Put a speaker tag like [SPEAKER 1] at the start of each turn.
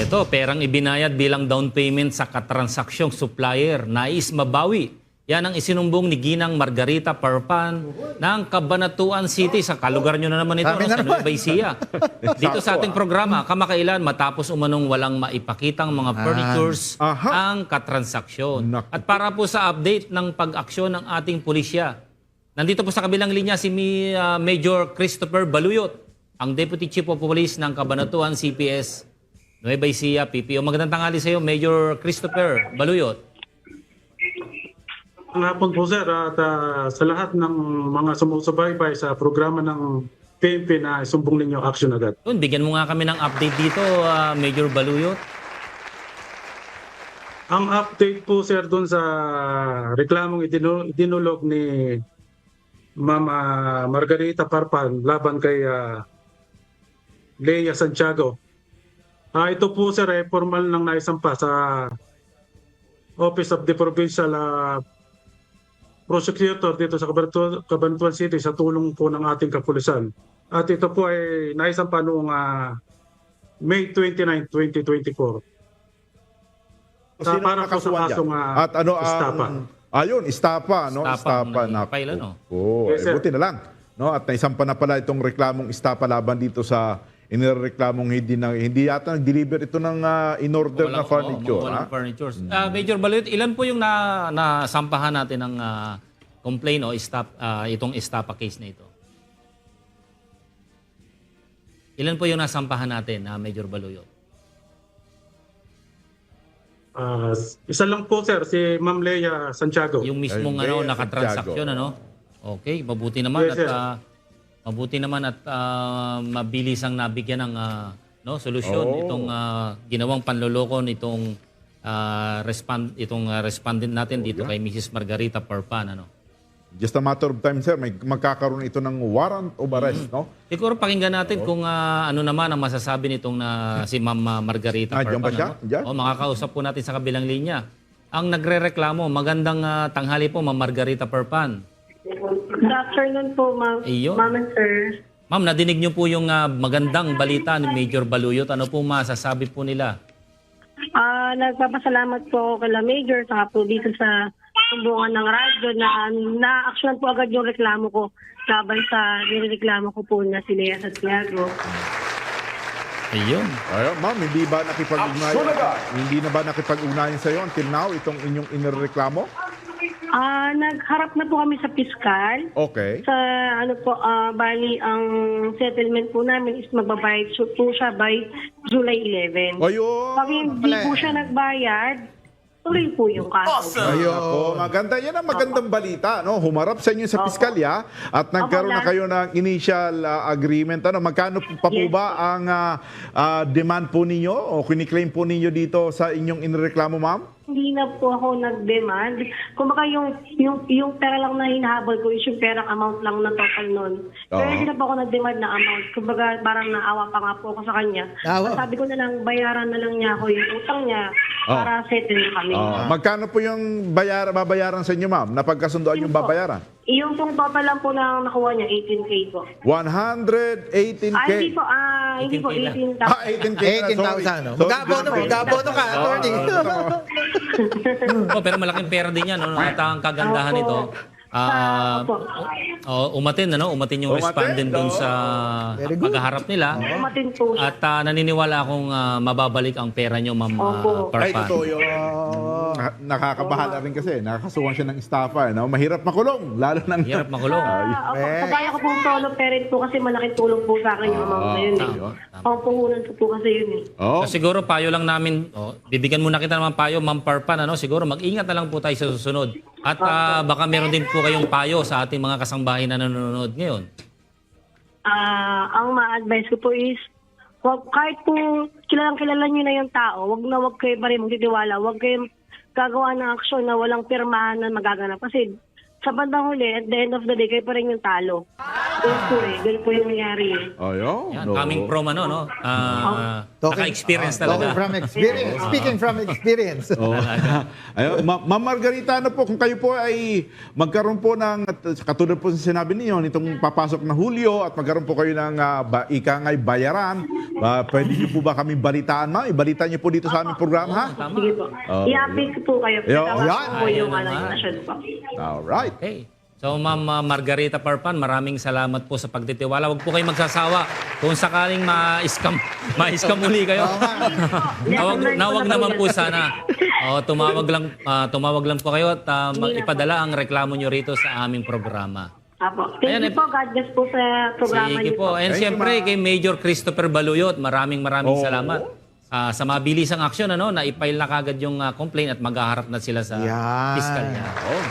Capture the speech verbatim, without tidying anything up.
[SPEAKER 1] Ito, perang ibinayad bilang down payment sa katransakyong supplier. Nais mabawi. Yan ang isinumbong ni Ginang Margarita Parpan ng Cabanatuan City. Sa kalugar nyo na naman ito, no, sa Nueva Ecija. Dito sa ating programa, kamakailan matapos umanong walang maipakitang mga furnitures
[SPEAKER 2] Aha.
[SPEAKER 1] ang katransaksyon.
[SPEAKER 2] Naku.
[SPEAKER 1] At para po sa update ng pag-aksyon ng ating pulisya, nandito po sa kabilang linya si Mi- uh, Major Christopher Baluyot, ang Deputy Chief of Police ng Cabanatuan C P S Nueva Ecija P P O. Magandang tanghali sa iyo, Major Christopher Baluyot.
[SPEAKER 3] Ang hapon po sir at uh, sa lahat ng mga sumusubaybay sa programa ng P N P na isumbong ninyo action agad.
[SPEAKER 1] Yun, bigyan mo nga kami ng update dito, uh, Major Baluyot.
[SPEAKER 3] Ang update po sir dun sa reklamong idinu- idinulog ni Ma'am uh, Margarita Parpan laban kay uh, Lea Santiago. Ah, ito po sir ay formal nang naisampa sa Office of the Provincial uh, Prosecutor dito sa Cabanatuan Cabanatuan City sa tulong po ng ating kapulisan. At ito po ay naisampa noong uh, May twenty-ninth, twenty twenty-four.
[SPEAKER 2] Sino
[SPEAKER 3] Uh, para po sa
[SPEAKER 2] nakasuhan dyan?
[SPEAKER 3] kasong uh,
[SPEAKER 2] At ano ang...
[SPEAKER 3] istapa.
[SPEAKER 2] Ayun, istapa, no?
[SPEAKER 1] Istapa
[SPEAKER 2] Istapa.
[SPEAKER 1] ang
[SPEAKER 2] na
[SPEAKER 1] file, ano?
[SPEAKER 2] Oo,
[SPEAKER 3] Yes,
[SPEAKER 2] eh,
[SPEAKER 3] sir.
[SPEAKER 2] buti na lang. No? At naisampa na pala itong reklamong istapa laban dito sa inireklamong hindi na, hindi yata nag-deliver ito ng uh, in-order na
[SPEAKER 1] Walang-
[SPEAKER 2] furniture.
[SPEAKER 1] oo, mga
[SPEAKER 2] ha?
[SPEAKER 1] walang furnitures. Ah, Major Baluyot, ilan po yung na, nasampahan natin ng ah, complaint o stop, ah, itong estapa case na ito? Ilan po yung nasampahan natin, na Major Baluyot?
[SPEAKER 3] Uh, isa lang po sir, si Ma'am Lea Santiago.
[SPEAKER 1] Yung mismong
[SPEAKER 2] Ay,
[SPEAKER 1] ano,
[SPEAKER 2] Lea
[SPEAKER 1] nakatransaksyon,
[SPEAKER 2] Santiago.
[SPEAKER 1] ano? Okay, mabuti naman
[SPEAKER 3] Yes,
[SPEAKER 1] at
[SPEAKER 3] sir.
[SPEAKER 1] ah, mabuti naman at ah, mabilis ang nabigyan ng ah, no, solusyon
[SPEAKER 2] Oo.
[SPEAKER 1] itong ah, ginawang panloloko nitong ah, respond itong ah, respondent natin dito kay Missus Margarita Parpan, ano?
[SPEAKER 2] Just a matter of time, sir. May magkakaroon ito ng warrant of arrest, no?
[SPEAKER 1] Siguro pakinggan natin kung ah, ano naman ang masasabi nitong na si Ma'am ah, Margarita
[SPEAKER 2] Ah, diyan ba
[SPEAKER 1] Parpan.
[SPEAKER 2] siya?
[SPEAKER 1] ano?
[SPEAKER 2] Diyan?
[SPEAKER 1] O, makakausap po natin sa kabilang linya. Ang nagrereklamo, magandang ah, tanghali po, Ma'am Margarita Parpan.
[SPEAKER 4] Good afternoon po, ma'am.
[SPEAKER 1] Ayun.
[SPEAKER 4] Ma'am and sir.
[SPEAKER 1] Ma'am, nadinig niyo po yung ah, magandang balita ni Major Baluyot. Ano po masasabi po nila?
[SPEAKER 4] Ah, nagpapasalamat po ako kay Major saka po dito sa sumbungan ng radyo na na-action po agad yung reklamo ko laban sa nireklamo ko po na si Lea Santiago.
[SPEAKER 1] Ayun.
[SPEAKER 2] Ayun, ma'am, hindi ba nakipag-ugnayan? Hindi na ba nakipag-ugnayan sa iyo until now itong inyong inireklamo?
[SPEAKER 4] Ah, nagharap na po kami sa piskal.
[SPEAKER 2] Okay.
[SPEAKER 4] Sa ano po, ah, bali ang settlement po namin is magbabayad so- po siya by July eleventh.
[SPEAKER 2] Ayun.
[SPEAKER 4] Pag hindi po siya nagbayad, tuloy po yung kaso.
[SPEAKER 2] Ayun. Ako, maganda. Yan ang magandang balita. No? Humarap sa inyo sa piskalya at nagkaroon na
[SPEAKER 4] Opo,
[SPEAKER 2] kayo ng initial uh, agreement. Ano, magkano pa po
[SPEAKER 4] Yes,
[SPEAKER 2] ba ang uh, uh, demand po ninyo o kiniklaim po ninyo dito sa inyong inireklamo, ma'am?
[SPEAKER 4] Hindi na po ako nag-demand. Kung baka yung, yung, yung pera lang na hinahabol ko is yung perang amount lang na total nun. Pero
[SPEAKER 2] Oo.
[SPEAKER 4] hindi na po ako nag-demand na amount. Kung baka parang naawa pa nga po ako sa kanya.
[SPEAKER 5] Naawa?
[SPEAKER 4] Sabi ko na lang, bayaran na lang niya ako yung utang niya
[SPEAKER 2] Oo.
[SPEAKER 4] para settle kami.
[SPEAKER 2] Uh, magkano po yung bayar, babayaran sa inyo, ma'am? Napagkasundoan yung
[SPEAKER 4] Yun po.
[SPEAKER 2] babayaran?
[SPEAKER 4] Yung pong total lang po na nakuha niya, eighteen K po.
[SPEAKER 2] one hundred eighteen
[SPEAKER 4] Ah,
[SPEAKER 2] K.
[SPEAKER 4] hindi po, ah, hindi po,
[SPEAKER 1] eighteen K lang.
[SPEAKER 4] eighteen
[SPEAKER 2] Ah,
[SPEAKER 4] thousand.
[SPEAKER 2] eighteen K. na,
[SPEAKER 5] eighteen thousand.
[SPEAKER 2] sorry.
[SPEAKER 5] No?
[SPEAKER 2] Sorry,
[SPEAKER 5] Mag-abono,
[SPEAKER 2] sorry.
[SPEAKER 5] mag-abono ka, attorney.
[SPEAKER 1] Oh, pero malaking pera din yan. No? At ang kagandahan
[SPEAKER 4] Opo.
[SPEAKER 1] nito, ah,
[SPEAKER 4] Opo.
[SPEAKER 1] oh, umatin, ano? Umatin yung
[SPEAKER 2] Umatin,
[SPEAKER 1] respondent dun
[SPEAKER 2] oo.
[SPEAKER 1] sa
[SPEAKER 5] Very good.
[SPEAKER 1] paghaharap nila.
[SPEAKER 4] Umatin po siya.
[SPEAKER 1] At ah, naniniwala akong ah, mababalik ang pera nyo, Ma'am ah,
[SPEAKER 4] Opo.
[SPEAKER 2] Ay,
[SPEAKER 1] Parpan.
[SPEAKER 2] totoo yun. Na- Nakakabahala rin kasi. Nakakasuhan siya ng estafa. No? Mahirap makulong. Lalo ng...
[SPEAKER 1] Hirap makulong.
[SPEAKER 4] Ah, ako, kabaya ko pong solo parent po kasi malaking tulong po sa akin yung amount na yun. Eh.
[SPEAKER 1] tama, tama.
[SPEAKER 4] Pangpuhunan ko po kasi yun eh.
[SPEAKER 2] Oh.
[SPEAKER 1] So, siguro payo lang namin, oh, bibigyan muna kita naman payo, Ma'am Parpan, ano? Siguro mag-ingat na lang po tayo sa susunod. At ah, baka meron din po kayong payo sa ating mga kasangbahay na nanonood ngayon.
[SPEAKER 4] Ah, ang ma-advise ko po is, wag, kahit po kilalang kilala nyo na yung tao, wag na wag kayo pa rin magtitiwala, wag kayo gagawa ng aksyon na walang pirmahan na magaganap. Kasi sa bandang huli, at the end of the day, kayo pa rin yung talo. Yes po eh. Ganun po yung nangyari eh.
[SPEAKER 2] Ayun.
[SPEAKER 1] Yan,
[SPEAKER 2] no.
[SPEAKER 1] coming from ano, no? Ah,
[SPEAKER 5] Talking-
[SPEAKER 1] naka-experience
[SPEAKER 5] ah, Talking
[SPEAKER 1] talaga.
[SPEAKER 5] from experience. Speaking from experience.
[SPEAKER 2] Oh. Ayun, Ma- Ma'am Margarita, ano po, kung kayo po ay magkaroon po ng, at katulad po sa sinabi niyo, nitong papasok na Hulyo at magkaroon po kayo ng uh, ba, ika nga'y bayaran, uh, pwede niyo po ba kami balitaan, ma'am? Ibalita niyo po dito sa aming program, ha?
[SPEAKER 1] Tama.
[SPEAKER 4] Sige po.
[SPEAKER 2] Oh,
[SPEAKER 4] I-update ko po kayo.
[SPEAKER 2] Yo,
[SPEAKER 4] Tama
[SPEAKER 2] yan.
[SPEAKER 4] po
[SPEAKER 1] Ayan
[SPEAKER 4] yung ano,
[SPEAKER 1] naman.
[SPEAKER 4] yung nasyon po.
[SPEAKER 2] Alright.
[SPEAKER 1] Okay. So, Ma'am uh, Margarita Parpan, maraming salamat po sa pagtitiwala. Huwag po kayong magsasawa. Kung sakaling ma-scam, ma-scam uli kayo. nawag, nawag naman po sana. O, tumawag lang, ah, tumawag lang po kayo at ah, mag- ipadala ang reklamo nyo rito sa aming programa.
[SPEAKER 4] Apo. Thank
[SPEAKER 1] Ayan,
[SPEAKER 4] you
[SPEAKER 1] eh.
[SPEAKER 4] po. God bless po sa programa
[SPEAKER 1] Sige
[SPEAKER 4] niyo
[SPEAKER 1] po.
[SPEAKER 4] po.
[SPEAKER 1] And
[SPEAKER 2] Thank you,
[SPEAKER 1] siyempre,
[SPEAKER 2] ma'am.
[SPEAKER 1] kay Major Christopher Baluyot, maraming maraming
[SPEAKER 2] Oh.
[SPEAKER 1] salamat. Ah, sa mabilisang aksyon, ano, na i-file na kagad yung ah, complaint at maghaharap na sila sa
[SPEAKER 5] Yan.
[SPEAKER 1] piskalya.